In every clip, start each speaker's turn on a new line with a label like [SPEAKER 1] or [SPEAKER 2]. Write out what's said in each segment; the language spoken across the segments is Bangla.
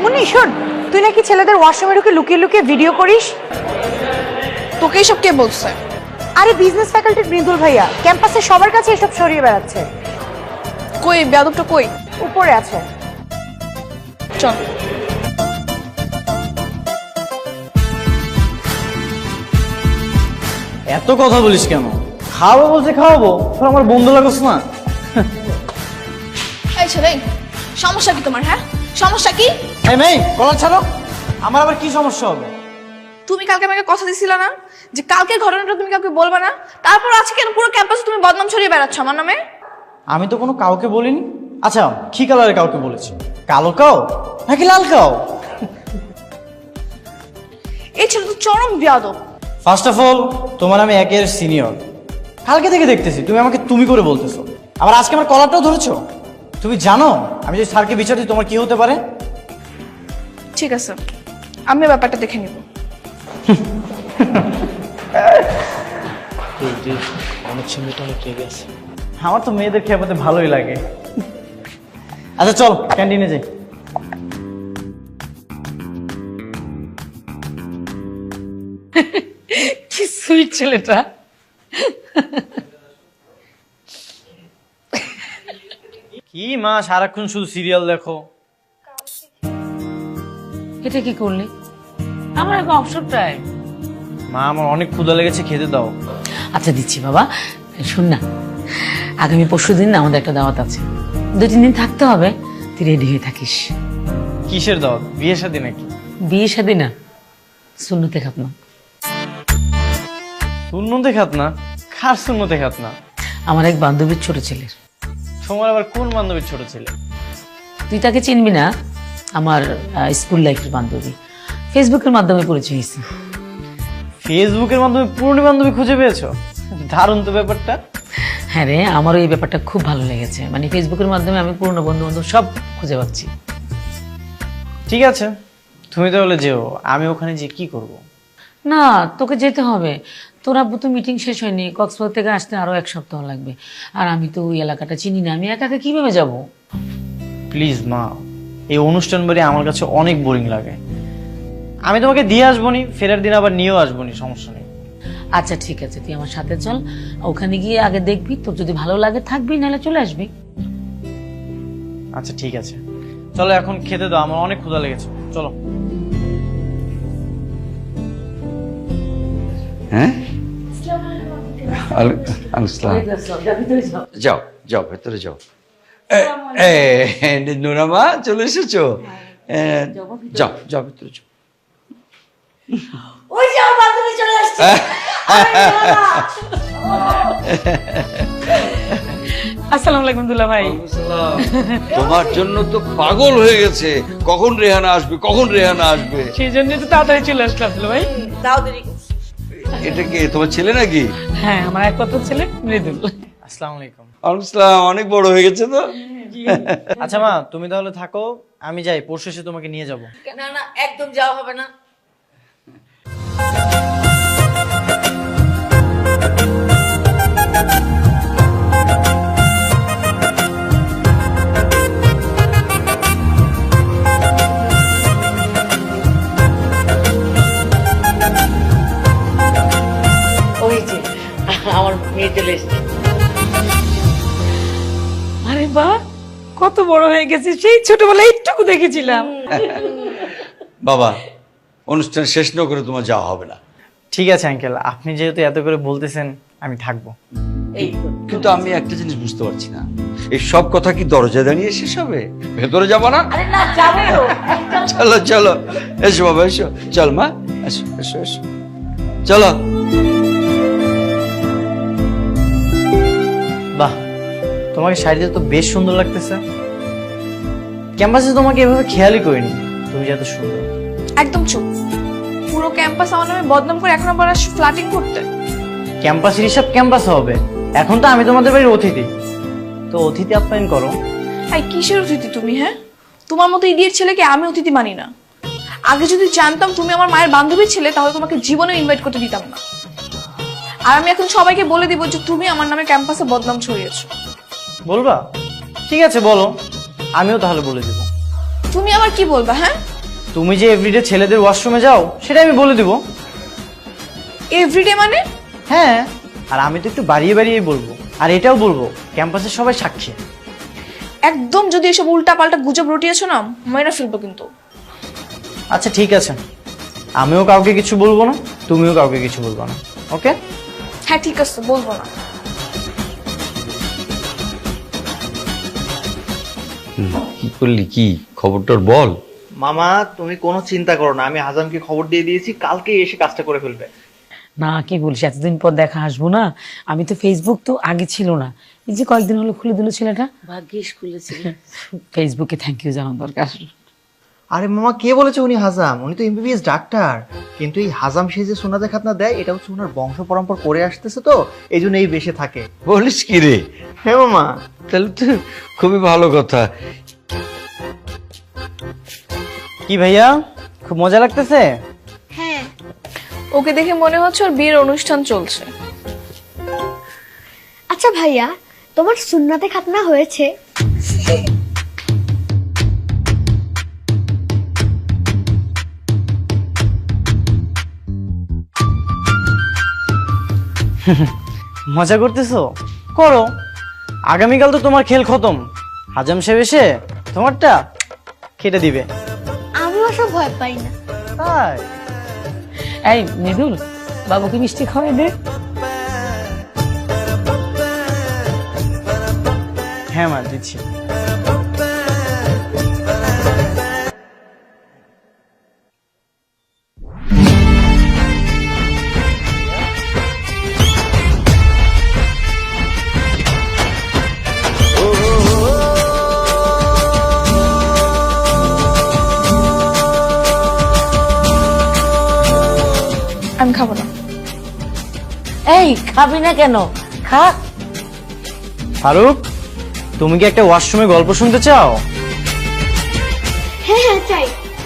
[SPEAKER 1] মুন্নি শোন, তুই নাকি ছেলেদের ওয়াশরুমে ঢুকে লুকিয়ে লুকিয়ে ভিডিও করিস।
[SPEAKER 2] তোকে এসব কে বলছে?
[SPEAKER 1] আরে বিজনেস ফ্যাকাল্টির মৃদুল ভাইয়া ক্যাম্পাসে সবার কাছে এসব ছড়িয়ে বেড়াচ্ছে।
[SPEAKER 2] কই বেয়াদবটা কই?
[SPEAKER 1] উপরে আছে।
[SPEAKER 2] চল।
[SPEAKER 3] এত কথা বলিস কেন? খাওয়াবো বলছে খাওয়াবো, তোর আমার বন্ধু লাগছ না?
[SPEAKER 2] এই ছেলে, সমস্যা কি তোমার? হ্যাঁ, সমস্যা কি?
[SPEAKER 3] এই মেয়ে কলার ছাড়ো। আমার আবার কি সমস্যা হবে?
[SPEAKER 2] তুমি কালকে আমাকে কথা দিছিলা না যে কালকের ঘটনাটা তুমি কাউকে বলবে না, তারপর আজকে কেন পুরো ক্যাম্পাসে তুমি বদনাম ছড়িয়ে বেড়াচ্ছ আমার নামে?
[SPEAKER 3] আমি তো কোনো কাউকে বলিনি। আচ্ছা কি কালারে কাউকে বলেছি? কালো কাও নাকি লাল কাও?
[SPEAKER 2] এই ছেলে তো চরম বেয়াদব।
[SPEAKER 3] ফার্স্ট অফ অল তোমার আমি একের সিনিয়র, কালকে থেকে দেখতেছি তুমি আমাকে তুমি করে বলতেছো, আবার আজকে আমার কলারটাও ধরেছো। তুমি জানো আমি যদি স্যারকে বিচার দিই তোমার কি হতে পারে?
[SPEAKER 2] ঠিক আছে, আমি ব্যাপারটা দেখে নিব।
[SPEAKER 3] আমার তো মেয়েদের খেপাতে ভালোই লাগে। আচ্ছা চল ক্যান্টিনে যাই।
[SPEAKER 4] কি সুইট ছেলেটা।
[SPEAKER 3] কি মা সারাক্ষণ শুধু সিরিয়াল দেখো?
[SPEAKER 4] এটা কি করলি? আমার এখন অবসর টাইম।
[SPEAKER 3] মা আমার অনেক ক্ষুধা লেগেছে, খেতে দাও।
[SPEAKER 4] আচ্ছা দিচ্ছি বাবা। শোন না, আগামী পরশুদিন না আমাদের একটা দাওয়াত আছে, 2-3 দিন থাকতে হবে। তুই রেডি হয়ে থাকিস।
[SPEAKER 3] কিসের দাওয়াত? বিয়ে শাদী নাকি?
[SPEAKER 4] বিয়ে শাদী না, সুন্নতে খাতনা।
[SPEAKER 3] সুন্নতে খাত না? কার সুন্নতে খাত না?
[SPEAKER 4] আমার এক বান্ধবীর ছোট ছেলের।
[SPEAKER 3] তোমার আবার কোন বান্ধবীর ছোট ছেলে?
[SPEAKER 4] তুই তাকে চিনবি না, আমার স্কুল লাইফের বান্ধবী। ফেসবুকের মাধ্যমে পরিচয় হয়েছে।
[SPEAKER 3] ফেসবুকের মাধ্যমে পুরনো বান্ধবী খুঁজে পেয়েছো? দারুণ তো ব্যাপারটা।
[SPEAKER 4] হ্যাঁ রে, আমারও এই ব্যাপারটা খুব ভালো লেগেছে। মানে ফেসবুকের মাধ্যমে আমি পুরনো বন্ধু বান্ধব সব খুঁজে পাচ্ছি।
[SPEAKER 3] ঠিক আছে তুমি তাহলে যেও, আমি ওখানে যে কি করব?
[SPEAKER 4] না, তোকে যেতে হবে। তোর আব্বু তো মিটিং শেষ হয়নি, কক্সবাজার থেকে আসতে আরো 1 সপ্তাহ লাগবে। আর আমি তো ওই এলাকাটা চিনি না, আমি একা একা কিভাবে যাব?
[SPEAKER 3] প্লিজ মা, এই অনুষ্ঠান বাড়ি আমার কাছে অনেক বোরিং লাগে। আমি তোমাকে দিয়ে আসবনি, ফেরার দিন আবার নিয়েও আসবনি, সমস্যা নেই।
[SPEAKER 4] আচ্ছা ঠিক আছে, তুই আমার সাথে চল। ওখানে গিয়ে আগে দেখবি, তোর যদি ভালো লাগে থাকবি, নাহলে চলে আসবি।
[SPEAKER 3] আচ্ছা ঠিক আছে, চলো এখন খেতে দাও, আমার অনেক ক্ষুধা লেগেছে। চলো।
[SPEAKER 5] হ্যাঁ যাও যাও ভেতরে যাও। নুরামা চলে এসেছো? যাও যাও ভেতরে যাও।
[SPEAKER 4] ওই যাও, বান্ধবী চলে আসছে। আসসালামু আলাইকুম দুলা ভাই।
[SPEAKER 5] তোমার জন্য তো পাগল হয়ে গেছে, কখন রেহানা আসবে কখন রেহানা আসবে।
[SPEAKER 4] সেই জন্য তো তাড়াতাড়ি চলে আসলাম দুলা ভাই।
[SPEAKER 5] এটা কি তোমার ছেলে নাকি?
[SPEAKER 4] হ্যাঁ, আমার একমাত্র ছেলে মৃদুল।
[SPEAKER 3] আসসালামু আলাইকুম।
[SPEAKER 5] আসসালাম, অনেক বড় হয়ে গেছে তো।
[SPEAKER 3] আচ্ছা মা তুমি তাহলে থাকো, আমি যাই, পরশু এসে তোমাকে নিয়ে যাব।
[SPEAKER 4] না না, একদম যাওয়া হবে না। ওই যে আমার মেয়ে চলে এসছে। আরে বাহ, কত বড় হয়ে গেছে, সেই ছোটবেলায় একটুকু দেখেছিলাম।
[SPEAKER 5] বাবা, অনুষ্ঠান শেষ না করে তোমার যাওয়া হবে না।
[SPEAKER 3] ঠিক আছে আঙ্কেল, আপনি যেহেতু এত করে বলতেছেন আমি থাকবো।
[SPEAKER 5] কিন্তু আমি একটা জিনিস বুঝতে পারছি না, এই সব কথা কি দরজা দাঁড়িয়ে শেষ হবে? ভেতরে যাবো না?
[SPEAKER 4] আরে না, যাবো।
[SPEAKER 5] চলো চলো, এসো বাবা এসো, চল মা এসো এসো এসো, চলো।
[SPEAKER 3] বাহ, তোমাকে শাড়িতে তো বেশ সুন্দর লাগতেছে। ক্যাম্পাসে তোমাকে এভাবে খেয়ালই করিনি, তুমি যে এত সুন্দর।
[SPEAKER 2] একদম চুপ। পুরো ক্যাম্পাস আমার নামে বদনাম করে এখন আবার ফ্ল্যাটিং করতে।
[SPEAKER 3] ক্যাম্পাসের হিসাব ক্যাম্পাস হবে, এখন তো আমি তোমাদের বাড়ির অতিথি, তো অতিথি আপ্যায়ন করো।
[SPEAKER 2] এই কিসের অতিথি তুমি? হ্যাঁ, তোমার মতো ইডিয়েট ছেলেকে আমি অতিথি মানি না। আগে যদি জানতাম তুমি আমার মায়ের বান্ধবীর ছেলে, তাহলে তোমাকে জীবনে ইনভাইট করতে দিতাম না। আর আমি এখন সবাইকে বলে দিব যে তুমি আমার নামে ক্যাম্পাসে বদনাম ছড়িয়েছো।
[SPEAKER 3] বলবা? ঠিক আছে বলো, আমিও তাহলে বলে দেবো।
[SPEAKER 2] তুমি আবার কি বলবা? হ্যাঁ,
[SPEAKER 3] তুমি যে এভরিডে ছেলেদের ওয়াশরুমে যাও সেটা আমি বলে দিব।
[SPEAKER 2] এভরিডে মানে?
[SPEAKER 3] হ্যাঁ, আর আমি তো একটু বাড়িয়ে বাড়িয়ে বলবো, আর এটাও বলবো ক্যাম্পাসের সবাই সাক্ষী।
[SPEAKER 2] একদম যদি এসব উল্টা পাল্টা গুজব রটিয়েছো না, মেরে ফেলবো কিন্তু।
[SPEAKER 3] আচ্ছা ঠিক আছে, আমিও কাউকে কিছু বলবো না, তুমিও কাউকে কিছু বলবো না, ওকে?
[SPEAKER 2] হ্যাঁ ঠিক আছে, বলবো না।
[SPEAKER 5] কি করলি, কি খবরটার বল।
[SPEAKER 6] মামা তুমি কোনো চিন্তা করো না, আমি হাজামকে খবর দিয়ে দিয়েছি, কালকে এসে কাজটা করে ফেলবে।
[SPEAKER 4] না কি বলিস, এতদিন পর দেখা আসবো না। আমি তো ফেসবুক তো আগে ছিল না, এই যে কয়েকদিন হলো খুলে দিল ছেলেটা। ভাগ্যিস খুলেছিল। ফেসবুকে থ্যাংক ইউ জানার দরকার।
[SPEAKER 6] আরে মামা কে বলেছে উনি হাজাম? উনি তো এমবিবিএস ডাক্তার। কিন্তু এই হাজাম সে যে সোনাতে খাতনা দেয়, এটা হচ্ছে ওনার বংশ পরম্পরা করে আসতেছে, তো এই জন্য এই বেশে থাকে।
[SPEAKER 5] বলিস কি রে?
[SPEAKER 6] হ্যাঁ মামা।
[SPEAKER 5] তাহলে তো খুবই ভালো কথা।
[SPEAKER 3] কি ভাইয়া, খুব মজা লাগতেছে?
[SPEAKER 1] হ্যাঁ।
[SPEAKER 2] ওকে দেখে মনে হচ্ছে ওর বিয়ের অনুষ্ঠান চলছে।
[SPEAKER 1] আচ্ছা ভাইয়া, তোমার সুন্নাতে খাতনা হয়েছে?
[SPEAKER 3] মজা করতেছো? করো, আগামীকাল তো তোমার খেল খতম। হাজাম সাহেব এসে তোমারটা কেটে দিবে।
[SPEAKER 1] আমি ওসব ভয় পাই না।
[SPEAKER 3] তাই?
[SPEAKER 4] এই মৃদুল, বাবুকে মিষ্টি খাওয়াই দে।
[SPEAKER 3] হ্যাঁ মা, দিচ্ছি।
[SPEAKER 2] আমি খাবো না।
[SPEAKER 4] এই খাবি না কেন? খা।
[SPEAKER 3] ফারুক, তুমি কি একটা ওয়াশরুমে গল্প শুনতে চাও?
[SPEAKER 1] হ্যাঁ হ্যাঁ চাই।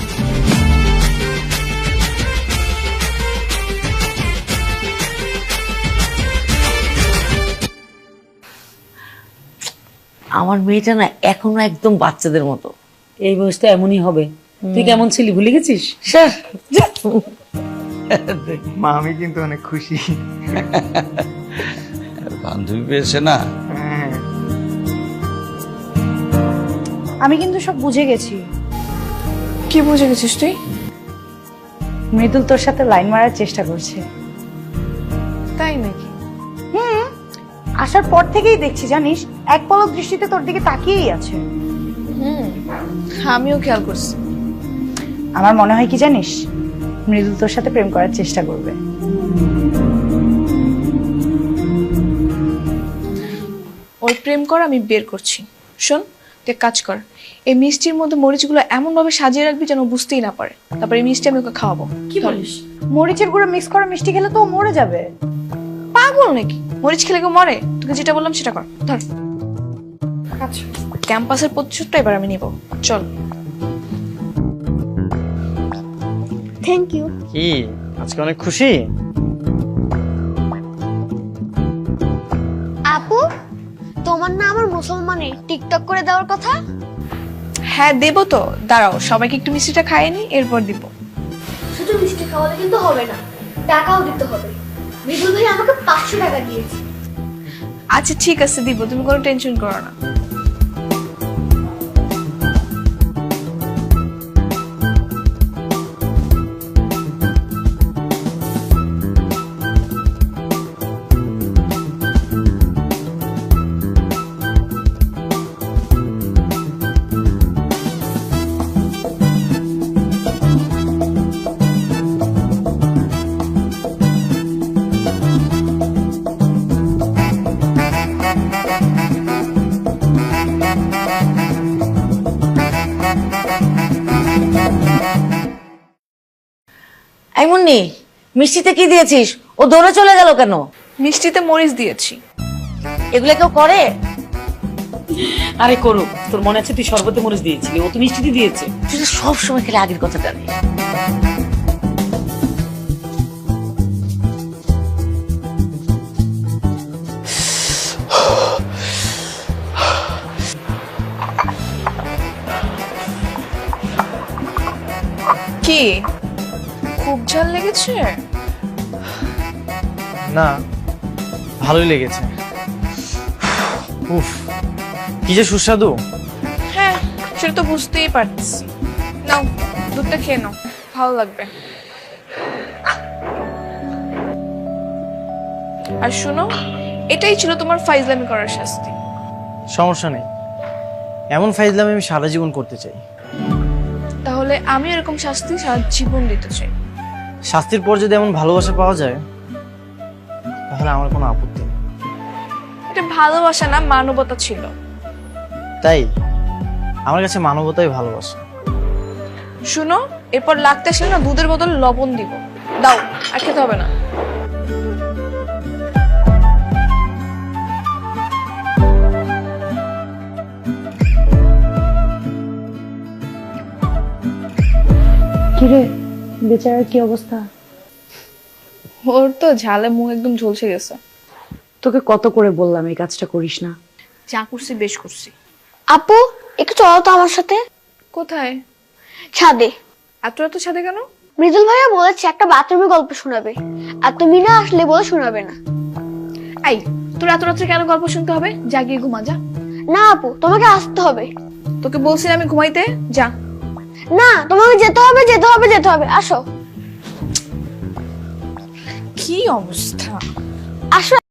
[SPEAKER 4] আমার মেয়েটা না এখনো একদম বাচ্চাদের মতো। এই বয়সটা এমনই হবে। তুই কেমন ছিলি ভুলে গেছিস? স্যার
[SPEAKER 6] মা আমি কিন্তু অনেক খুশি।
[SPEAKER 5] বান্ধবী পেয়েছে না?
[SPEAKER 6] হ্যাঁ।
[SPEAKER 1] আমি কিন্তু সব বুঝে গেছি।
[SPEAKER 2] কি বুঝে গেছিস তুই?
[SPEAKER 1] মৃদুল তোর সাথে লাইন মারার চেষ্টা করছে।
[SPEAKER 2] তাই নাকি?
[SPEAKER 1] আসার পর থেকেই দেখছি, জানিস, এক পলক দৃষ্টিতে তোর দিকে তাকিয়েই আছে।
[SPEAKER 2] আমিও খেয়াল করছি।
[SPEAKER 1] আমার মনে হয় কি জানিস, মৃদুল তোর সাথে প্রেম করার চেষ্টা করবে।
[SPEAKER 2] ওর প্রেম কর, আমি বের করছি। শোন, তুই এক কাজ কর, এই মিষ্টির মধ্যে মরিচগুলো এমন ভাবে সাজিয়ে রাখবি যেন বুঝতেই না পারে। তারপর এই মিষ্টি আমি ওকে খাওয়াবো।
[SPEAKER 1] কি বলিস? মরিচের গুঁড়ো মিক্স করা মিষ্টি খেলে তো ও মরে যাবে।
[SPEAKER 2] পাগল নাকি? মরিচ খেলে কেউ মরে? তোকে যেটা বললাম সেটা কর, ধর। আচ্ছা, ক্যাম্পাসের প্রতিশোধটা এবার আমি নিব। চল।
[SPEAKER 1] Thank you.
[SPEAKER 3] কি আজকে অনেক খুশি?
[SPEAKER 1] আপু, তোমার না আমার মুসলমানে টিকটক করে দেওয়ার কথা?
[SPEAKER 2] হ্যাঁ দেবো তো, দাঁড়াও সবাইকে একটু মিষ্টিটা খাইয়ে নি, এরপর দিব।
[SPEAKER 1] শুধু মিষ্টি খাওয়ালে কিন্তু হবে না, টাকাও দিতে হবে। মৃদুল ভাই আমাকে 500 টাকা দিয়েছে।
[SPEAKER 2] আচ্ছা ঠিক আছে, দিব, তুমি কোনো টেনশন করো না।
[SPEAKER 4] এই মুন্নি, মিষ্টিতে কি দিয়েছিস? ও দৌড়ে চলে গেল কেন?
[SPEAKER 2] মিষ্টিতে মরিচ দিয়েছি।
[SPEAKER 4] এগুলো কেউ করে? আরে করুক, তোর মনে আছে তুই শরবতে মরিচ দিয়েছিলি, ও তো মিষ্টিতে দিয়েছে। তুই তো সব সময় খেলে আগের কথা জানিস।
[SPEAKER 2] কি খুব ঝাল লেগেছে?
[SPEAKER 3] না, ভালোই লেগেছে। উফ, কি যে সুস্বাদু।
[SPEAKER 2] হ্যাঁ, সেটা তো বুঝতেই পারছি। নাও, দুধটা খেয়ে নাও, ভালো লাগবে। আর শোনো, এটাই ছিল তোমার ফাইজলামি করার শাস্তি।
[SPEAKER 3] সমস্যা নেই, এমন ফাইজলামি আমি সারা জীবন করতে চাই।
[SPEAKER 2] তাহলে আমি এরকম শাস্তি সারা জীবন দিতে চাই।
[SPEAKER 3] শাস্তির পর যদি এমন ভালোবাসা পাওয়া যায় তাহলে আমার কোনো আপত্তি নেই।
[SPEAKER 2] এটা ভালোবাসা না, মানবতা ছিল।
[SPEAKER 3] তাই আমার কাছে মানবতাই ভালোবাসা।
[SPEAKER 2] শুনো, এরপর লাগতে আসলে না দুধের বদল লবণ দিব। দাও, আর খেতে হবে না।
[SPEAKER 7] কিরে বেচারার কি অবস্থা?
[SPEAKER 2] ওর তো ঝালে মুখ একদম ঝলসে গেছে।
[SPEAKER 7] তোকে কত করে বললাম এই কাজটা করিস না।
[SPEAKER 2] যা করছি বেশ করছি।
[SPEAKER 1] আপু, একটু চলো তো আমার সাথে
[SPEAKER 2] কোথায়?
[SPEAKER 1] ছাদে।
[SPEAKER 2] এত এত সাথে কেন?
[SPEAKER 1] মৃদুল ভাইয়া বলেছে একটা বাথরুমের গল্প শোনাবে, আর তুমি না আসলে বলে শোনাবে না।
[SPEAKER 2] এই, তোর এত রাত্রে কেন গল্প শুনতে হবে? যা গিয়ে ঘুমা যা।
[SPEAKER 1] না আপু, তোমাকে আসতে হবে।
[SPEAKER 2] তোকে বলছি না আমি ঘুমাইতে? যা।
[SPEAKER 1] না, তোমাকে যেতে হবে, যেতে হবে, যেতে হবে। আসো
[SPEAKER 2] কি অবস্থা!
[SPEAKER 1] আসো।